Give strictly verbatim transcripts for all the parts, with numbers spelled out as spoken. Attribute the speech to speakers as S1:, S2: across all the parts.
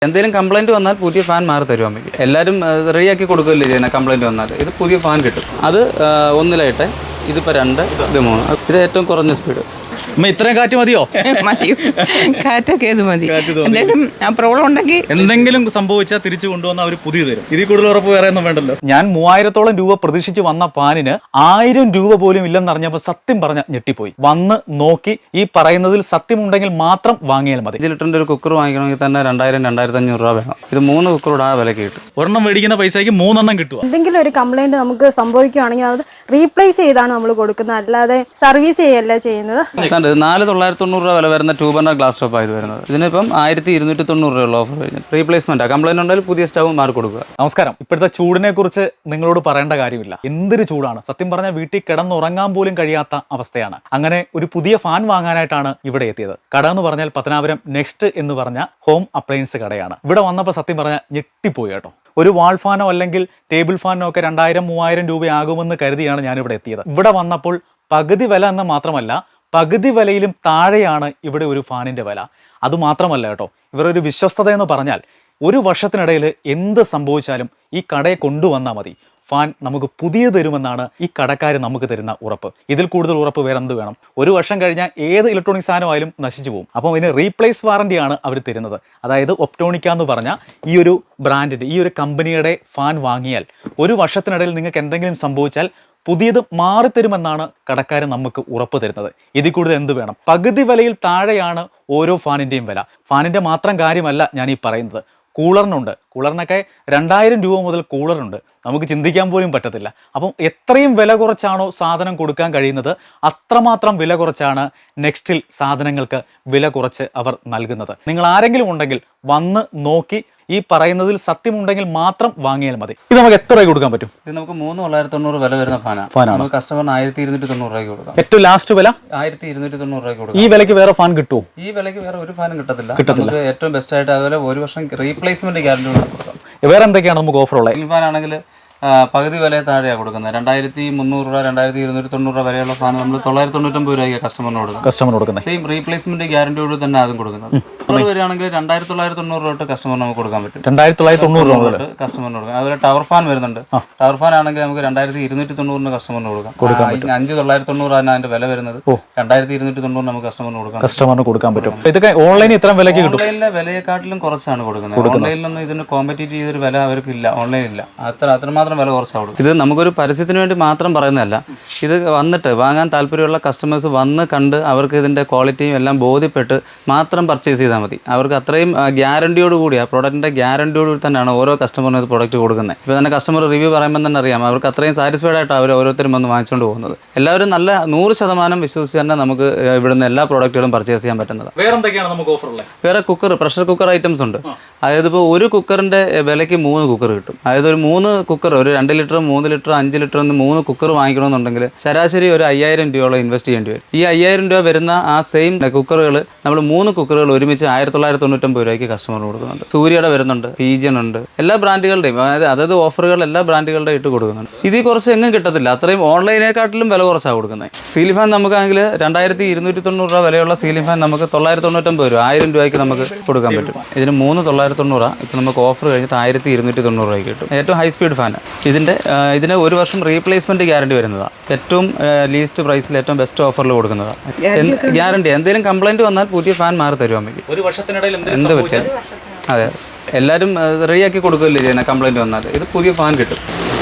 S1: എന്തെങ്കിലും കംപ്ലൈൻറ്റ് വന്നാൽ പുതിയ ഫാൻ മാറി തരും അമ്മയ്ക്ക്. എല്ലാവരും റെഡിയാക്കി കൊടുക്കുകയല്ലേ ചെയ്യുന്നത്. കംപ്ലൈൻറ്റ് വന്നാൽ ഇത് പുതിയ ഫാൻ കിട്ടും. അത് ഒന്നിലായിട്ട് ഇതിപ്പോൾ രണ്ട്, ഇത് മൂന്ന്. ഇത് ഏറ്റവും കുറഞ്ഞ സ്പീഡ്.
S2: അമ്മ ഇത്രയും കാറ്റ് മതിയോ?
S3: മതി, കാറ്റൊക്കെ ഇത് മതി. എന്തെങ്കിലും പ്രോബ്ലം ഉണ്ടെങ്കിൽ
S2: എന്തെങ്കിലും സംഭവിച്ചാൽ തിരിച്ചു കൊണ്ടുവന്ന അവർ പുതിയ തരും. ഇതിൽ കൂടുതൽ ഉറപ്പ് വേറെ ഒന്നും വേണ്ടല്ലോ. ഞാൻ മൂവായിരത്തോളം രൂപ പ്രതീക്ഷിച്ച് വന്ന പാനിന് ആയിരം രൂപ പോലും ഇല്ലെന്നറിഞ്ഞപ്പോൾ സത്യം പറഞ്ഞ ഞെട്ടിപ്പോയി. വന്ന് നോക്കി ഈ പറയുന്നതിൽ സത്യമുണ്ടെങ്കിൽ മാത്രം വാങ്ങിയാൽ മതി.
S1: അഞ്ച് ലിറ്ററിൻ്റെ ഒരു കുക്കർ വാങ്ങിക്കണമെങ്കിൽ തന്നെ രണ്ടായിരം രണ്ടായിരത്തി അഞ്ഞൂറ് രൂപ വേണം. ഇത് മൂന്ന് കുക്കറോട് ആ വിലക്ക് കിട്ടും.
S2: ഒരെണ്ണം മേടിക്കുന്ന പൈസയ്ക്ക് മൂന്നെണ്ണം കിട്ടുക.
S4: എന്തെങ്കിലും ഒരു കംപ്ലൈന്റ് നമുക്ക് സംഭവിക്കുകയാണെങ്കിൽ അത് റീപ്ലേസ് ചെയ്താണ് നമ്മൾ കൊടുക്കുന്നത്, അല്ലാതെ സർവീസ് ചെയ്യല്ല ചെയ്യുന്നത്.
S1: നാല് തൊള്ളായിരത്തി തൊണ്ണൂറ് രൂപ വില വരുന്ന ടൂ ബർണർ ഗ്ലാസ് സ്റ്റോപ്പ് ആയത് വരുന്നത്. ഇതിനിപ്പം ആയിരത്തി ഇരുന്നൂറ്റി തൊണ്ണൂറ് രൂപയുള്ള ഓഫർ കഴിഞ്ഞു. റീപ്ലേസ്മെന്റ് കംപ്ലൈന്റ് ഉണ്ടെങ്കിൽ പുതിയ സ്റ്റവ് മാറി കൊടുക്കുക.
S2: നമസ്കാരം. ഇപ്പോഴത്തെ ചൂടിനെ കുറിച്ച് നിങ്ങളോട് പറയേണ്ട കാര്യമില്ല. എന്തൊരു ചൂടാണ്. സത്യം പറഞ്ഞാൽ വീട്ടിൽ കിടന്നുറങ്ങാൻ പോലും കഴിയാത്ത അവസ്ഥയാണ്. അങ്ങനെ ഒരു പുതിയ ഫാൻ വാങ്ങാനായിട്ടാണ് ഇവിടെ എത്തിയത്. കട എന്ന് പറഞ്ഞാൽ പത്തനാപുരം നെക്സ്റ്റ് എന്ന് പറഞ്ഞ ഹോം അപ്ലയൻസ് കടയാണ്. ഇവിടെ വന്നപ്പോൾ സത്യം പറഞ്ഞാൽ ഞെട്ടിപ്പോയി കേട്ടോ. ഒരു വാൾ ഫാനോ അല്ലെങ്കിൽ ടേബിൾ ഫാനോ ഒക്കെ രണ്ടായിരം മൂവായിരം രൂപയാകുമെന്ന് കരുതിയാണ് ഞാനിവിടെ എത്തിയത്. ഇവിടെ വന്നപ്പോൾ പകുതി വില എന്ന് മാത്രമല്ല, പകുതി വിലയിലും താഴെയാണ് ഇവിടെ ഒരു ഫാനിൻ്റെ വില. അതുമാത്രമല്ല കേട്ടോ, ഇവരൊരു വിശ്വസ്തത എന്ന് പറഞ്ഞാൽ ഒരു വർഷത്തിനിടയിൽ എന്ത് സംഭവിച്ചാലും ഈ കടയെ കൊണ്ടുവന്നാൽ മതി, ഫാൻ നമുക്ക് പുതിയ തരുമെന്നാണ് ഈ കടക്കാർ നമുക്ക് തരുന്ന ഉറപ്പ്. ഇതിൽ കൂടുതൽ ഉറപ്പ് വേറെ എന്ത് വേണം? ഒരു വർഷം കഴിഞ്ഞാൽ ഏത് ഇലക്ട്രോണിക് സാധനമായാലും നശിച്ചു പോകും. അപ്പോൾ ഇതിന് റീപ്ലേസ് വാറണ്ടിയാണ് അവർ തരുന്നത്. അതായത് ഒപ്റ്റോണിക്ക എന്ന് പറഞ്ഞ ഈ ഒരു ബ്രാൻഡിൻ്റെ ഈ ഒരു കമ്പനിയുടെ ഫാൻ വാങ്ങിയാൽ ഒരു വർഷത്തിനിടയിൽ നിങ്ങൾക്ക് എന്തെങ്കിലും സംഭവിച്ചാൽ പുതിയത് മാറിത്തരുമെന്നാണ് കടക്കാരൻ നമുക്ക് ഉറപ്പ് തരുന്നത്. ഇതിൽ കൂടുതൽ എന്ത് വേണം? പകുതി വിലയിൽ താഴെയാണ് ഓരോ ഫാനിൻ്റെയും വില. ഫാനിൻ്റെ മാത്രം കാര്യമല്ല ഞാൻ ഈ പറയുന്നത്, കൂളറിനുണ്ട്. കൂളറിനൊക്കെ രണ്ടായിരം രൂപ മുതൽ കൂളറുണ്ട്. നമുക്ക് ചിന്തിക്കാൻ പോലും പറ്റത്തില്ല. അപ്പം എത്രയും വില കുറച്ചാണോ സാധനം കൊടുക്കാൻ കഴിയുന്നത്, അത്രമാത്രം വില കുറച്ചാണ് നെക്സ്റ്റിൽ സാധനങ്ങൾക്ക് വില കുറച്ച് അവർ നൽകുന്നത്. നിങ്ങൾ ആരെങ്കിലും ഉണ്ടെങ്കിൽ വന്ന് നോക്കി ഈ പറയുന്നതിൽ സത്യമുണ്ടെങ്കിൽ മാത്രം വാങ്ങിയാൽ മതി. ഇത് നമുക്ക് എത്ര രൂപ കൊടുക്കാൻ പറ്റും?
S1: ഇത് നമുക്ക് മൂന്ന് തൊള്ളായിരത്തി തൊണ്ണൂറ് വില വരുന്ന ഫാനാണ്. ഫാനാണ് കസ്റ്റമറിന് ആയിരത്തി ഇരുന്നൂറ്റി തൊണ്ണൂറ് രൂപയ്ക്ക് കൊടുക്കാം.
S2: ഏറ്റവും ലാസ്റ്റ് വില
S1: ആയിരത്തി ഇരുന്നൂറ്റി തൊണ്ണൂറ് രൂപയ്ക്ക് കൊടുക്കാം.
S2: ഈ വിലയ്ക്ക് വേറെ ഫാൻ കിട്ടുമോ?
S1: ഈ വിലയ്ക്ക് വേറെ ഒരു ഫാനും കിട്ടത്തില്ല. കിട്ടത്തില്ല. ഏറ്റവും ബെസ്റ്റ് ആയിട്ട് അതുപോലെ ഒരു വർഷം റീപ്ലേസ്മെന്റ് ഗ്യാരണ്ടി കൊടുക്കാം.
S2: വേറെ എന്തൊക്കെയാണ് നമുക്ക് ഓഫർ ഉള്ളത്?
S1: ഈ ഫാൻ ആണെങ്കിൽ പകുതി വില താഴെയാണ് കൊടുക്കുന്നത്. രണ്ടായിരത്തി മുന്നൂറ് രൂപ രണ്ടായിരത്തി ഇരുന്നൂറ്റി തൊണ്ണൂറ് രൂപ വരെയുള്ള ഫാൻ നമ്മൾ തൊള്ളായിരത്തി തൊണ്ണൂറ്റൊമ്പത് രൂപയ്ക്ക് കസ്റ്റമറിന് കൊടുക്കുന്നത്.
S2: കസ്റ്റമർ കൊടുക്കുന്നത്
S1: സെയിം റീപ്ലേസ്മെന്റ് ഗ്യാരണ്ടിയോട് തന്നെ അതും കൊടുക്കുന്നത്. അത് വരികയാണെങ്കിൽ രണ്ടായിരത്തി തൊള്ളായിരത്തി തൊണ്ണൂറ് രൂപ തൊട്ട് കസ്റ്റമറിന് നമുക്ക് കൊടുക്കാൻ പറ്റും.
S2: രണ്ടായിരത്തി തൊള്ളായിരത്തി തൊണ്ണൂറ് രൂപ തൊട്ട്
S1: കസ്റ്റമറിന് കൊടുക്കാം. അതുപോലെ ടവർ ഫാൻ വരുന്നുണ്ട്. ടവർ ഫാൻ ആണെങ്കിൽ നമുക്ക് രണ്ടായിരത്തി ഇരുന്നൂറ്റി തൊണ്ണൂറിന് കസ്റ്റമറിന് കൊടുക്കാം. അഞ്ച് തൊള്ളായിരത്തി തൊണ്ണൂറാണ് അതിന്റെ വില വരുന്നത്. രണ്ടായിരത്തി ഇരുന്നൂറ്റി തൊണ്ണൂറ് നമുക്ക് കസ്റ്റമറിന് കൊടുക്കാം.
S2: കസ്റ്റമറിന് കൊടുക്കാൻ പറ്റും. ഇതൊക്കെ ഓൺലൈനിൽ ഇത്ര വിലയ്ക്ക് കിട്ടും.
S1: ഓൺലൈനിലെ വിലയെക്കാട്ടിലും കുറച്ചാണ് കൊടുക്കുന്നത്. ഓൺലൈനിലൊന്നും ഇതിന് കോമ്പറ്റീറ്റ് ചെയ്തൊരു വില അവർക്ക് ഇല്ല. ഓൺലൈനില്ല. അത്ര അത്രമാത്രം വില കുറച്ചാണ് കൊടുക്കുന്നത്. ഇത് നമുക്കൊരു പരസ്യത്തിന് വേണ്ടി മാത്രം പറയുന്നതല്ല. ഇത് വന്നിട്ട് വാങ്ങാൻ താല്പര്യമുള്ള കസ്റ്റമേഴ്സ് വന്ന് കണ്ട് അവർക്ക് ഇതിൻ്റെ ക്വാളിറ്റിയും എല്ലാം ബോധ്യപ്പെട്ട് മാത്രം പർച്ചേസ് ചെയ്താൽ മതി. അവർക്ക് അത്രയും ഗ്യാരണ്ടിയോട് കൂടി ആ പ്രോഡക്റ്റിൻ്റെ ഗ്യാരണ്ടിയോട് കൂടി തന്നെയാണ് ഓരോ കസ്റ്റമറിനും ഇത് പ്രോഡക്റ്റ് കൊടുക്കുന്നത്. ഇപ്പോൾ തന്നെ കസ്റ്റമർ റിവ്യൂ പറയുമ്പോൾ തന്നെ അറിയാം അവർക്ക് അത്രയും സാറ്റിസ്ഫൈഡ് ആയിട്ട് അവർ ഓരോരുത്തരും വന്ന് വാങ്ങിച്ചുകൊണ്ട് പോകുന്നത്. എല്ലാവരും നല്ല നൂറ് ശതമാനം വിശ്വസിച്ച് തന്നെ നമുക്ക് ഇവിടുന്ന് എല്ലാ പ്രോഡക്റ്റുകളും പർച്ചേസ് ചെയ്യാൻ പറ്റുന്നത്.
S2: വേറെ എന്തൊക്കെയാണ് നമുക്ക് ഓഫർ ഉള്ളത്?
S1: വേറെ കുക്കർ, പ്രഷർ കുക്കർ ഐറ്റംസ് ഉണ്ട്. അതായത് ഇപ്പോൾ ഒരു കുക്കറിൻ്റെ വിലയ്ക്ക് മൂന്ന് കുക്കർ കിട്ടും. അതായത് ഒരു മൂന്ന് കുക്കർ, ഒരു രണ്ട് ലിറ്റർ മൂന്ന് ലിറ്റർ അഞ്ച് ലിറ്റർ എന്ന് മൂന്ന് കുക്കർ വാങ്ങിക്കണമെന്നുണ്ടെങ്കിൽ ശരാശരി ഒരു അയ്യായിരം രൂപയോളം ഇൻവെസ്റ്റ് ചെയ്യേണ്ടി വരും. ഈ അയ്യായിരം രൂപ വരുന്ന ആ സെയിം കുക്കറുകൾ നമ്മൾ മൂന്ന് കുക്കറുകൾ ഒരുമിച്ച് ആയിരത്തി തൊള്ളായിരത്തി തൊണ്ണൂറ്റൊമ്പത് രൂപയ്ക്ക് കസ്റ്റമറിന് കൊടുക്കുന്നുണ്ട്. സൂര്യയുടെ വരുന്നുണ്ട്, പീജിയൻ ഉണ്ട്, എല്ലാ ബ്രാൻഡുകളുടെയും അതായത് അതത് ഓഫറുകൾ എല്ലാ ബ്രാൻഡുകളുടെ ഇട്ട് കൊടുക്കുന്നുണ്ട്. ഇതിൽ കുറച്ച് എങ്ങും കിട്ടത്തില്ല. അത്രയും ഓൺലൈനേക്കാട്ടിലും വില കുറച്ചാണ് കൊടുക്കുന്നത്. സീലിംഗ് ഫാൻ നമുക്കാണെങ്കിൽ രണ്ടായിരത്തി ഇരുന്നൂറ്റി തൊണ്ണൂറ് രൂപ വിലയുള്ള സീലിംഗ് ഫാൻ നമുക്ക് തൊള്ളായിരത്തി തൊണ്ണൂറ്റൊമ്പത് രൂപ ആയിരം രൂപയ്ക്ക് നമുക്ക് കൊടുക്കാൻ പറ്റും. ഇതിന് മൂന്ന് തൊള്ളായിരത്തി തൊണ്ണൂറ് ഇപ്പം നമുക്ക് ഓഫർ കഴിഞ്ഞിട്ട് ആയിരത്തി ഇരുന്നൂറ്റി തൊണ്ണൂറ് രൂപയ്ക്ക് കിട്ടും. ഏറ്റവും ഹൈ സ്പീഡ് ഫാൻ. ഇതിൻ്റെ ഇതിന് ഒരു വർഷം റീപ്ലേസ്മെന്റ് ഗ്യാരണ്ടി വരുന്നതാണ്. ഏറ്റവും ലീസ്റ്റ് പ്രൈസിൽ ഏറ്റവും ബെസ്റ്റ് ഓഫറിൽ കൊടുക്കുന്നതാണ്. ഗ്യാരണ്ടി എന്തെങ്കിലും കംപ്ലൈന്റ് വന്നാൽ പുതിയ ഫാൻ മാറി തരും അമ്മയ്ക്ക്.
S2: ഒരു വർഷത്തിനിടയിൽ
S1: എന്ത് പറ്റിയാൽ അതെ എല്ലാവരും റെഡിയാക്കി കൊടുക്കുകയല്ലേ ചെയ്യുന്നത്. കംപ്ലൈന്റ് വന്നാൽ ഇത് പുതിയ ഫാൻ കിട്ടും.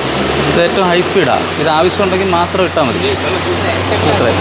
S1: ഇത് ഏറ്റവും ഹൈ സ്പീഡാണ്. ഇത് ആവശ്യമുണ്ടെങ്കിൽ മാത്രം ഇട്ടാൽ മതി. അത്രേ.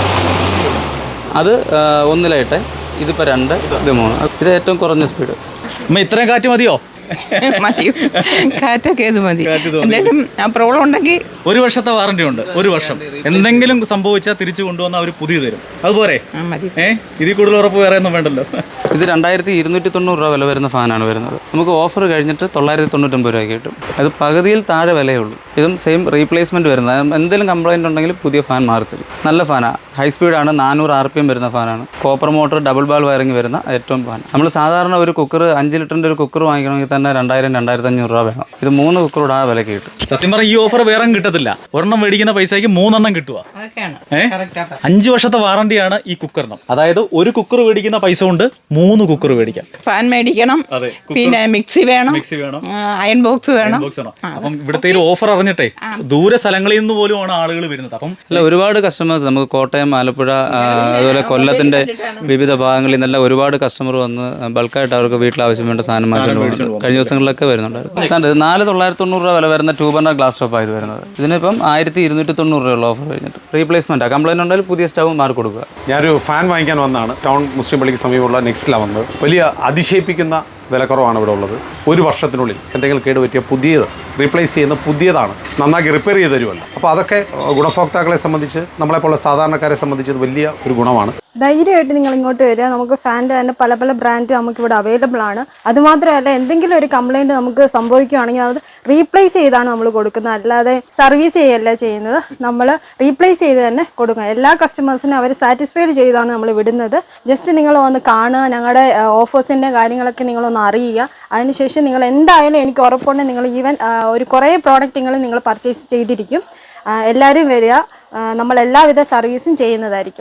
S1: അത് ഒന്നിലായിട്ട് ഇതിപ്പോൾ രണ്ട്, ഇത് മൂന്ന്. ഇത് ഏറ്റവും കുറഞ്ഞ സ്പീഡ്.
S2: ഇത്രയും കാറ്റ് മതിയോ?
S3: മതി, കാറ്റൊക്കെ ഇത് മതി. എന്തെങ്കിലും പ്രോബ്ലം ഉണ്ടെങ്കിൽ
S2: ഒരു വർഷത്തെ വാറണ്ടി ഉണ്ട്. ഒരു വർഷം എന്തെങ്കിലും സംഭവിച്ചാൽ തിരിച്ചു കൊണ്ടുവന്ന അവർ പുതിയ തരും. അതുപോലെ ഏഹ് ഇതിൽ കൂടുതൽ ഉറപ്പ് വേറെ ഒന്നും വേണ്ടല്ലോ.
S1: ഇത് രണ്ടായിരത്തി ഇരുന്നൂറ്റി തൊണ്ണൂറ് രൂപ വില വരുന്ന ഫാനാണ് വരുന്നത്. നമുക്ക് ഓഫർ കഴിഞ്ഞിട്ട് തൊള്ളായിരത്തി തൊണ്ണൂറ്റൊമ്പത് രൂപയ്ക്ക് കിട്ടും. അത് പകുതിയിൽ താഴെ വിലയേ ഉള്ളൂ. ഇതും സെയിം റീപ്ലേസ്മെന്റ് വരുന്നത്. എന്തെങ്കിലും കംപ്ലൈന്റ് ഉണ്ടെങ്കിൽ പുതിയ ഫാൻ മാറി തരും. നല്ല ഫാനാണ്. ഹൈ സ്പീഡാണ്. നാനൂറ് ആർ പി എം വരുന്ന ഫാനാണ്. Copper motor double ball wiring വരുന്ന ഏറ്റവും ഫാൻ. നമ്മൾ സാധാരണ ഒരു കുക്കർ അഞ്ച് ലിറ്ററിൻ്റെ ഒരു കുക്കർ വാങ്ങിക്കണമെങ്കിൽ തന്നെ രണ്ടായിരം രണ്ടായിരത്തി അഞ്ഞൂറ് രൂപ വേണം. ഇത് മൂന്ന് കുക്കറോട് ആ വിലക്ക് കിട്ടും.
S2: സത്യം പറഞ്ഞാൽ ഈ ഓഫർ വേറെ കിട്ടത്തില്ല. പറ്റത്തില്ല. ഒരെണ്ണം മേടിക്കുന്ന പൈസയ്ക്ക് മൂന്നെണ്ണം കിട്ടുക.
S3: അതൊക്കെയാണ്
S2: ഏ?
S3: കറക്റ്റാ.
S2: അഞ്ച് വർഷത്തെ വാറണ്ടിയാണ് ഈ കുക്കറിനും. അതായത് ഒരു കുക്കർ മേടിക്കുന്ന പൈസ കൊണ്ട് മൂന്ന് കുക്കർ മേടിക്കാം.
S3: ഫാൻ മേടിക്കണം,
S2: അതെ,
S3: പിന്നെ മിക്സി വേണം,
S2: മിക്സി വേണം,
S3: അയൺ ബോക്സ് വേണം.
S2: അപ്പം ഇവിടുത്തെ ഒരു ഓഫർ അറിഞ്ഞിട്ടേ ദൂര സ്ഥലങ്ങളിൽ നിന്ന് പോലുമാണ് ആളുകൾ വരുന്നത്. അപ്പം
S1: അല്ല, ഒരുപാട് കസ്റ്റമേഴ്സ് നമുക്ക് കോട്ടയം, ആലപ്പുഴ, ആ, അതുപോലെ കൊല്ലത്തിന്റെ വിവിധ ഭാഗങ്ങളിൽ നിന്നെല്ലാം ഒരുപാട് കസ്റ്റമർ വന്ന് ബൾക്കായിട്ട് അവർക്ക് വീട്ടിൽ ആവശ്യം വേണ്ട സാധനം വാങ്ങിച്ചുകൊണ്ട് പോകും. കഴിഞ്ഞ ദിവസങ്ങളിലൊക്കെ വരുന്നുണ്ടായിരുന്നു. ഇത് നാല് തൊള്ളായിരത്തി തൊണ്ണൂറ് രൂപ വില വരുന്ന ടൂ ബർണർ ഗ്ലാസ് സ്റ്റോപ്പാണ് ഇത് വരുന്നത്. ഇതിനിപ്പം ആയിരത്തി ഇരുന്നൂറ്റി തൊണ്ണൂറ് രൂപയുള്ള ഓഫർ കഴിഞ്ഞിട്ട് റീപ്ലേസ്മെന്റ് കംപ്ലൈന്റ് ഉണ്ടെങ്കിൽ പുതിയ സ്റ്റവ് മാർക്ക് കൊടുക്കുക.
S5: ഞാനൊരു ഫാൻ വാങ്ങിക്കാൻ വന്നതാണ്. ടൗൺ മുസ്ലിം പള്ളിക്ക് സമീപമുള്ള നെക്സ്റ്റിലാണ് വന്നത്. വലിയ അതിശയിപ്പിക്കുന്ന വിലക്കുറവാണ് ഇവിടെ ഉള്ളത്. ഒരു വർഷത്തിനുള്ളിൽ എന്തെങ്കിലും കേടുപറ്റിയ പുതിയത് റീപ്ലേസ് ചെയ്യുന്ന പുതിയതാണ്, നന്നാക്കി റിപ്പയർ ചെയ്ത് തരുമല്ലോ. അപ്പോൾ അതൊക്കെ ഗുണഭോക്താക്കളെ സംബന്ധിച്ച്, നമ്മളെപ്പോലുള്ള സാധാരണക്കാരെ സംബന്ധിച്ച് ഇത് വലിയ ഒരു ഗുണമാണ്.
S4: ധൈര്യമായിട്ട് നിങ്ങൾ ഇങ്ങോട്ട് വരിക. നമുക്ക് ഫാൻ്റെ തന്നെ പല പല ബ്രാൻഡ് നമുക്ക് ഇവിടെ അവൈലബിൾ ആണ്. അതുമാത്രമല്ല, എന്തെങ്കിലും ഒരു കംപ്ലൈൻറ്റ് നമുക്ക് സംഭവിക്കുകയാണെങ്കിൽ അത് റീപ്ലേസ് ചെയ്താണ് നമ്മൾ കൊടുക്കുന്നത്, അല്ലാതെ സർവീസ് ചെയ്യല്ല ചെയ്യുന്നത്. നമ്മൾ റീപ്ലേസ് ചെയ്ത് തന്നെ കൊടുക്കുക. എല്ലാ കസ്റ്റമേഴ്സിനും അവർ സാറ്റിസ്ഫൈഡ് ചെയ്താണ് നമ്മൾ വിടുന്നത്. ജസ്റ്റ് നിങ്ങൾ വന്ന് കാണുക, ഞങ്ങളുടെ ഓഫേഴ്സിൻ്റെ കാര്യങ്ങളൊക്കെ നിങ്ങളൊന്ന് അറിയുക. അതിനുശേഷം നിങ്ങൾ എന്തായാലും എനിക്ക് ഉറപ്പുണ്ട് നിങ്ങൾ ഈവൻ ഒരു കുറേ പ്രോഡക്റ്റുകൾ നിങ്ങൾ പർച്ചേസ് ചെയ്തിരിക്കും. എല്ലാവരും വരിക, നമ്മൾ എല്ലാവിധ സർവീസും ചെയ്യുന്നതായിരിക്കും.